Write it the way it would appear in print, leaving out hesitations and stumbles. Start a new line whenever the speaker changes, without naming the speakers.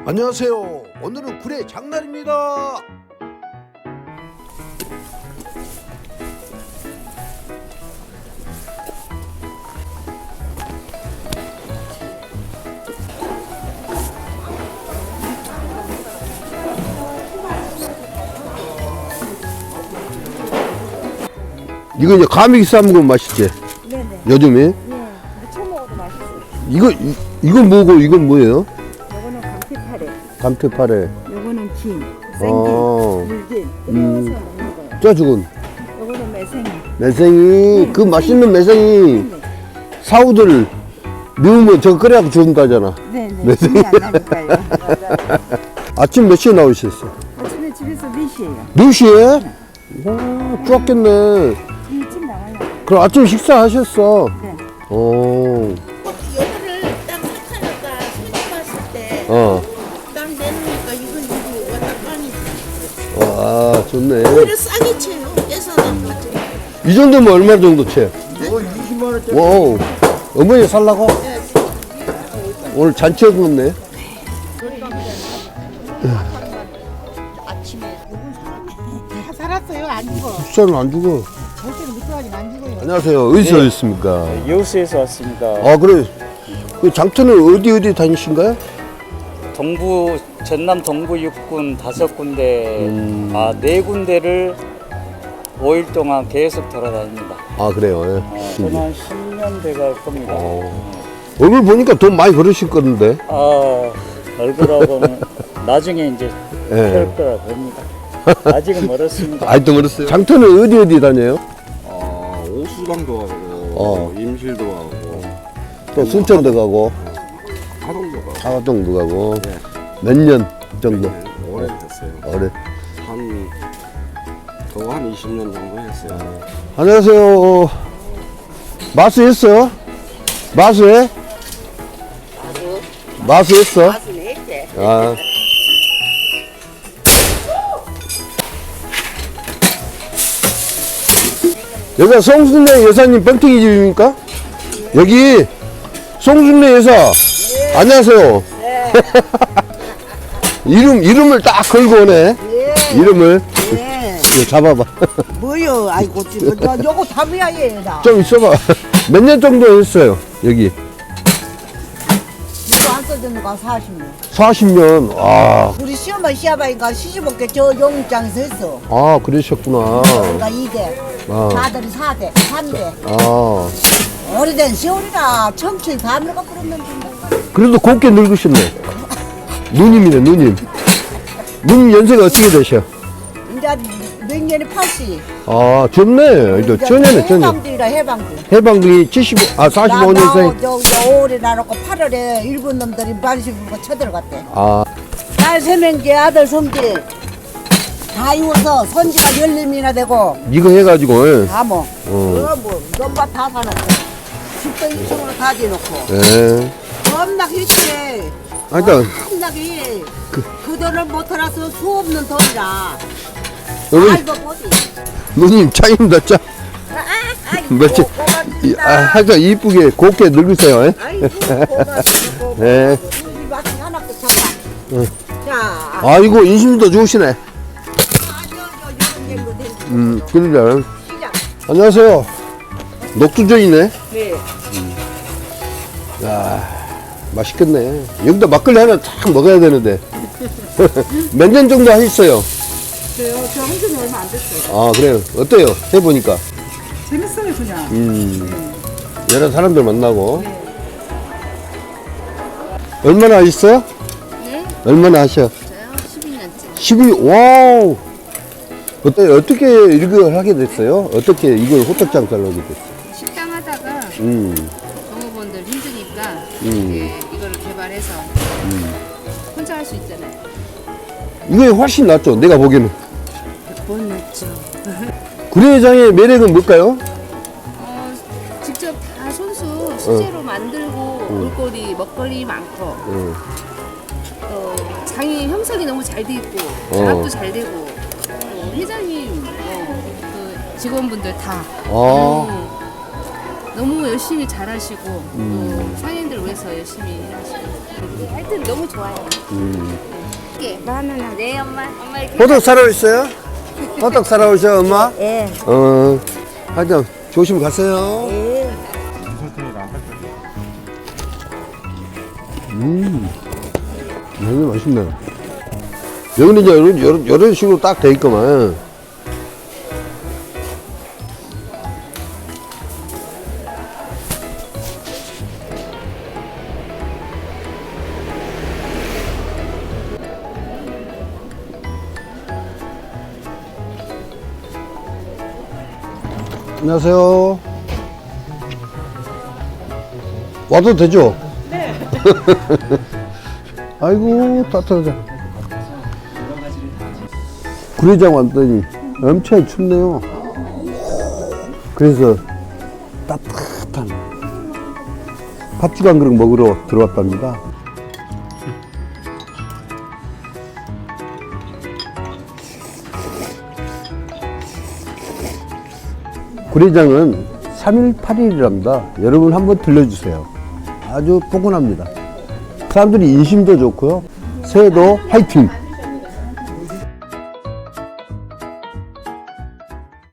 안녕하세요. 오늘은 굴의 장날입니다. 이거 이제 가미기 싸먹으면 맛있지?
네네.
요즘에?
네. 무쳐 먹어도 맛있어요.
이건 뭐고 이건 뭐예요?
요거는 감태파래.
감태파래.
요거는 김,
아.
생김, 물김. 끓여서 먹는 거예요.
저 죽은
요거는 매생이.
매생이. 그 맛있는 매생이 사우들 미우면 저거 끓여갖고 준다잖아.
네네.
매생이.
김이 안 나니까요.
아침 몇 시에 나오셨어?
아침에 집에서 4시에요.
4시에? 와, 좋았겠네.
일찍 나와요.
그럼 아침 식사하셨어?
네.
오.
여기를 딱 삭하니까 손님 왔을 때 딱 내놓으니까 이거 왔다 가니
와, 좋네.
오히려 싸게 쳐요. 깨서는 거죠.
이 정도면 얼마 정도 채?
20만 원짜리.
와우. 어머니 살라고? 오늘 잔치 없네.
아침에
다 살았어요. 안 죽어.
국산은 안 죽어.
절대로 미끄러지면 안 죽어요.
안녕하세요. 어디서 오셨습니까?
여수에서 왔습니다.
아, 그래. 그 장터는 어디 다니신가요?
전남 동부 육군 5군데, 4군데를 5일 동안 계속 돌아다닙니다.
아, 그래요.
저는 한 10년 돼갈 겁니다.
얼굴 보니까 돈 많이 벌으실 건데.
얼굴하고는 나중에 이제
예.
할 거라 봅니다. 아직은 멀었습니다.
아직도 멀었어요. 장터는 어디 다녀요?
오수방도 가고 임실도 가고
또 순천도 가고,
하동도 가고
하동도 가고. 몇 년 정도?
오래됐어요.
오래.
한 20년 정도 했어요.
안녕하세요. 마수했어? 마수해? 마수했어? 아. 여기가 송순례 여사님 뻥튀기 집입니까? 여기 송순례 여사. 안녕하세요. 이름을 딱 걸고 오네. 이름을. 이거 잡아봐.
뭐요? 아이고, 지금 너 요거 담이야 얘나.
좀 있어봐. 몇 년 정도 했어요, 여기?
이거 안 써주는 거 40년.
40년. 아,
우리 시어머니 시아버지가 시집올게 저 영장에서 했어.
아, 그러셨구나.
그러니까 2대,
아.
아들이 4대, 3대.
아,
오래된 시월이라 청춘 다 늙어 버렸는데.
그래도 곱게 늙으셨네. 누님이네, 누님. 누님 연세가 어떻게 되셔?
이제 몇 년이 80.
아, 젊네. 이제 전에네, 전에.
해방주의라 해방주.
해방이 45년생.
저 5월에 나놓고 8월에 일본 놈들이 반시 불고 쳐들어갔대.
아,
딸 3명째 아들 손지 다 이워서 손지가 10명이나 되고
이거 해가지고, 예.
다 뭐. 넘바 다 사놓고 집도 2층으로 다 지어놓고
예.
겁나게 했지.
아, 그러니까,
겁나게 그 돈을 못 털어서 수 없는 돈이라.
여기,
알고 보지.
누님 차입니다, 차. 며칠, 하여튼 이쁘게 곱게 늙으세요, 예.
아이고 고맙습니다.
네.
우리 마치 하나도 참아. 자,
아이고, 인심도 좋으시네.
이런 얘기도 되지.
그러니까.
시작.
안녕하세요. 녹두전이네.
네.
맛있겠네. 여기다 막걸리 하나 딱 먹어야 되는데. 몇 년 정도 하셨어요?
저 한지 얼마 안 됐어요.
아, 그래요. 어때요? 해보니까.
재밌어요, 그냥.
여러 사람들 만나고. 얼마나 하셨어요?
네?
얼마나 하셔?
저요 12년째.
12, 와우. 어떻게 이걸 하게 됐어요? 어떻게 이걸 호떡 장사를 하게 됐어요?
식당 하다가 종업원들 힘드니까 이거를 개발해서 혼자 할 수 있잖아요.
이게 훨씬 낫죠, 내가 보기에는.
못 넣죠.
구례장의 매력은 뭘까요?
직접 다 손수 수제로 만들고 볼거리, 먹거리 많고 또 장이 형성이 너무 잘 돼 있고 장학도 잘 되고 회장님 그 직원분들 다 너무 열심히 잘하시고 또 상인들 위해서 열심히 일하시고 하여튼 너무 좋아요. 이게 만원아 네 엄마 이렇게
호떡 사러 오셨어요? 호떡 사러 오셔 엄마?
예.
하여튼 조심 가세요.
예.
되게 맛있네. 여기는 이제 이런 식으로 딱 돼 있구만. 안녕하세요. 와도 되죠? 네. 아이고, 따뜻하다. 구례장 왔더니 엄청 춥네요. 그래서 따뜻한 팥죽 한 그릇 먹으러 들어왔답니다. 구례장은 3일 8일이랍니다. 여러분 한번 들려주세요. 아주 포근합니다. 사람들이 인심도 좋고요. 새해도 화이팅!